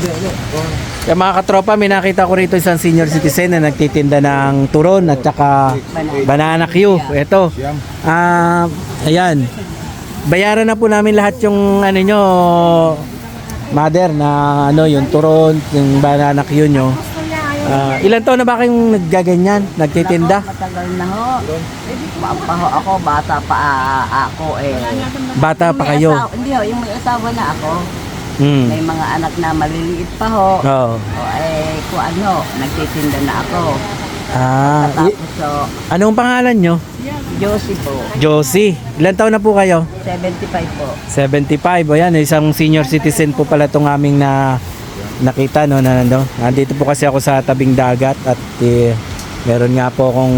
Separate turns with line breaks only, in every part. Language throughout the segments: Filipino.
Kaya mga katropa, may nakita ko rito isang senior citizen na nagtitinda ng turon at saka banana Q. Ito. Ayan. Bayaran na po namin lahat yung ano nyo, mother, na ano, yung turon, yung banana Q nyo. Ilan taon na ba kayong naggaganyan, nagtitinda?
Matagal na ho. Papaho ako, bata pa ako eh.
Bata pa kayo?
Hindi ho, yung may asawa na ako. May mga anak na maliliit pa ho.
Oo.
O eh, kung ano, nagtitinda na ako. Tapos so,
anong pangalan nyo?
Josie po.
Josie. Ilan taon na po kayo?
75 po.
75. O yan, isang senior citizen po pala itong aming nakita, no, na nandito. Nandito po kasi ako sa tabing dagat at meron nga po akong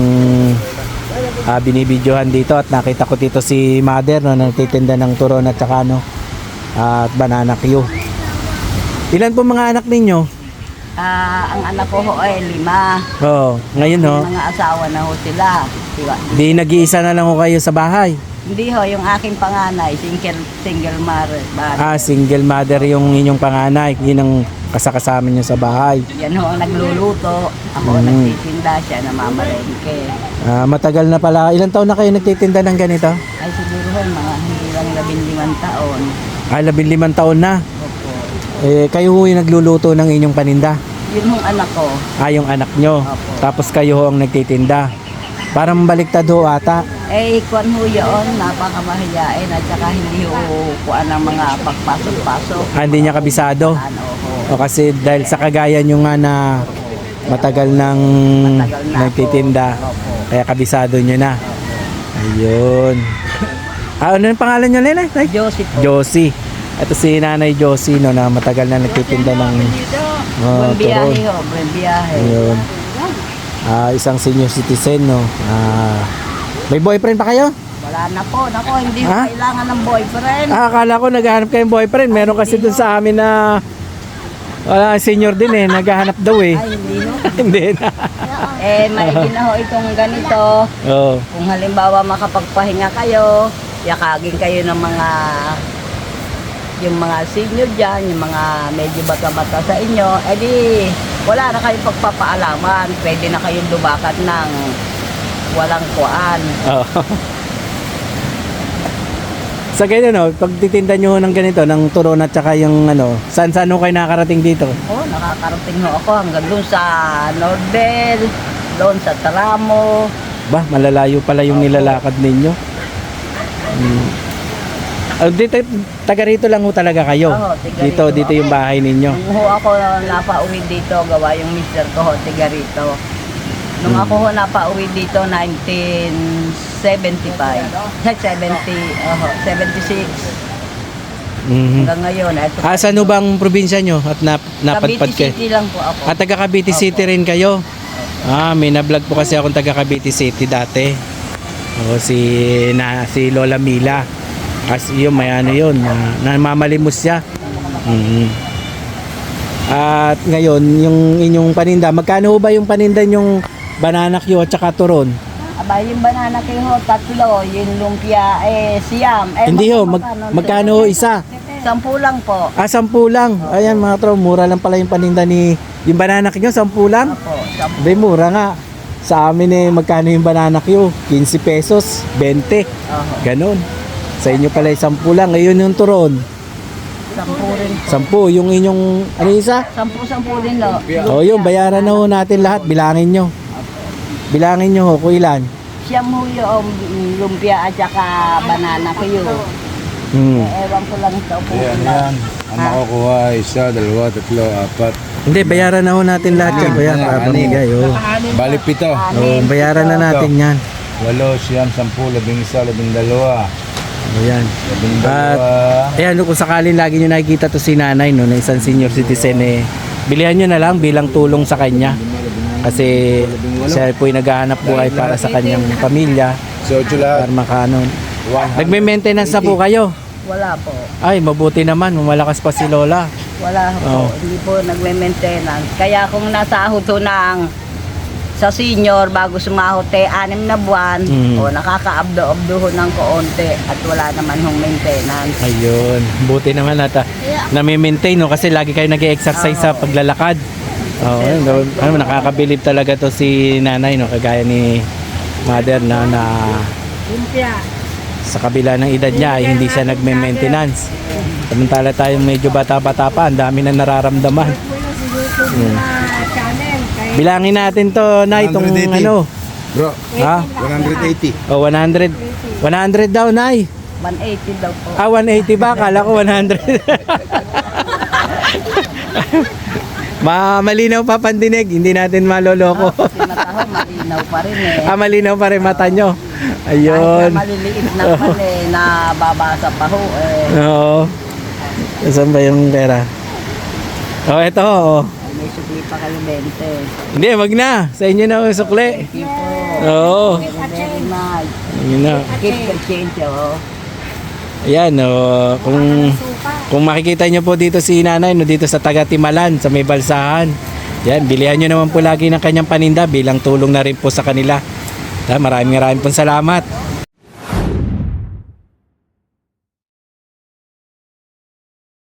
binibidyohan dito at nakita ko dito si mother, no, nagtitinda ng turon at saka at banana Q. Ilan po mga anak ninyo?
Ang anak ko ho ay 5.
Oo, ngayon ho.
Mga asawa na ho sila. Diba?
Di nag-iisa na lang ho kayo sa bahay.
Hindi ho, yung aking panganay, single mother.
Single mother yung inyong panganay. Yun ang kasakasama nyo sa bahay.
Yan ho, nagluluto. Ako nagtitinda, siya namamalengke.
Matagal na pala. Ilan taon na kayo nagtitinda ng ganito?
Ay siguro ho, mga hindi lang 15 taon.
15 taon na.
Opo.
Kayo ho yung nagluluto ng inyong paninda?
Yun hong anak ko.
Yung anak nyo.
Opo.
Tapos kayo ho ang nagtitinda. Parang baliktad ho ata.
Kuan ho yun, napakamahiyain at saka hindi ho kuan ang mga pagpasok-pasok.
Hindi niya kabisado.
Ano ho.
O kasi dahil sa kagaya nyo nga na matagal nang nagtitinda, kaya kabisado nyo na. Ayun. Ano yung pangalan nyo, Lena?
Josie po.
Josie. Ito si Nanay Josie, no, na matagal na nagtitinda ng
Buen biyahe
turon.
ho, buen biyahe.
Ayun. Isang senior citizen, no. May boyfriend pa kayo?
Wala na po. Nako, hindi ko kailangan ng boyfriend.
Akala ko naghahanap kayong boyfriend. Meron kasi dun sa amin na senior din eh. Naghahanap daw eh.
Ay, hindi ho.
Hindi na.
Maigi na ho itong ganito.
Oo.
Kung halimbawa makapagpahinga kayo, yakagin kayo ng yung mga senior dyan, yung mga medyo bata-bata sa inyo, edi wala na kayong pagpapaalaman. Pwede na kayong lubakat ng walang kuan.
Oo. Sa ganyan, no, pag titinda nyo ng ganito, ng turon at saka yung saan-saan ho kayo nakarating dito?
Nakakarating ho ako hanggang doon sa Nordel, doon sa Taramo.
Malalayo pala yung nilalakad ninyo. Dito, taga rito lang ho talaga kayo?
Oo, taga
dito yung bahay ninyo?
Nung ho ako napauwi dito, gawa yung mister ko ho, taga rito. Nung ako ho napauwi dito, 1975. 76. Hanggang ngayon.
Saan ho bang probinsya nyo at napadpad kayo?
Cavite City lang po ako.
Taga Cavite City rin kayo? May na-vlog po kasi akong taga Cavite City dati. Si Lola Mila. Kasi yun, may yun, namamalimos siya. At ngayon, yung inyong paninda, magkano ho ba yung paninda yung banana Q at saka turon?
Yung banana Q ho, 3, yung lumpia, siyam.
Hindi ho, magkano ho isa?
10 lang po.
10 lang. Ayan mga tro, mura lang pala yung paninda yung banana Q, 10 lang?
Opo, 10.
Hindi, mura nga. Sa amin magkano yung banana Q? 15 pesos, 20. Ganon. Sa inyo pala 10 lang. Ngayon yung turon.
10 rin po.
10. Yung inyong, isa?
10 din no.
Yun, bayaran na ho natin lahat. Bilangin nyo. Bilangin nyo ho, kung ilan.
Siyam ho yung lumpia at saka banana Q. Ewan ko lang ito po.
Yan. Ang makukuha, 1, 2, 3, 4.
Hindi, bayaran na ho natin lahat yan. Bayaran para pamigay.
Bali 7.
Bayaran na natin yan.
8, 9, 10, 11, 12.
Ayan. At ayan, kung sakaling lagi nyo nakikita to si nanay, no, na isang senior citizen, bilihan nyo na lang bilang tulong sa kanya. Kasi siya po ay naghahanap buhay para sa kanyang pamilya. Para makanon. Nagme-maintenance na po kayo?
Wala po.
Ay, mabuti naman. Malakas pa si Lola.
Wala po. Hindi po nagme-maintenance. Kaya kung nasahod ho ng sa senior, bago sumahot 6 na buwan, o nakakaabdo-abdo ng kaunti at wala naman hong maintenance.
Ayun. Buti naman at nami-maintain, no? Kasi lagi kayo nag-exercise sa paglalakad. Oh, nakakabilib talaga to si nanay, no? Kagaya ni mother na sa kabila ng edad niya ay hindi siya nagme-maintenance. Samantala tayong medyo bata-bata pa, ang dami na nararamdaman. Bilangin natin to na itong
180.
ano.
Bro,
Ha?
180.
Oh, 100. 100 daw, Nay.
180 daw po.
180 ba? Kala ko 100. Malinaw pa pandinig, hindi natin maloloko.
Kasi mataho, malinaw pa rin eh.
Malinaw pa rin mata nyo.
Kahit
Ayun.
na maliliit naman eh, nababasa pa ho eh.
Oo. Saan ba yung pera? Oh, ito. Oh.
May sukli pa kayo 20.
Hindi, wag na. Sa inyo na yung sukli.
Thank you po.
Oo.
Very much.
Ayun na.
Keep the change oh.
Ayan, oh, kung makikita nyo po dito si nanay, no, dito sa taga Timalan, sa may balsahan. Yan, bilihan nyo naman po lagi ng kanyang paninda bilang tulong na rin po sa kanila. Maraming pong salamat.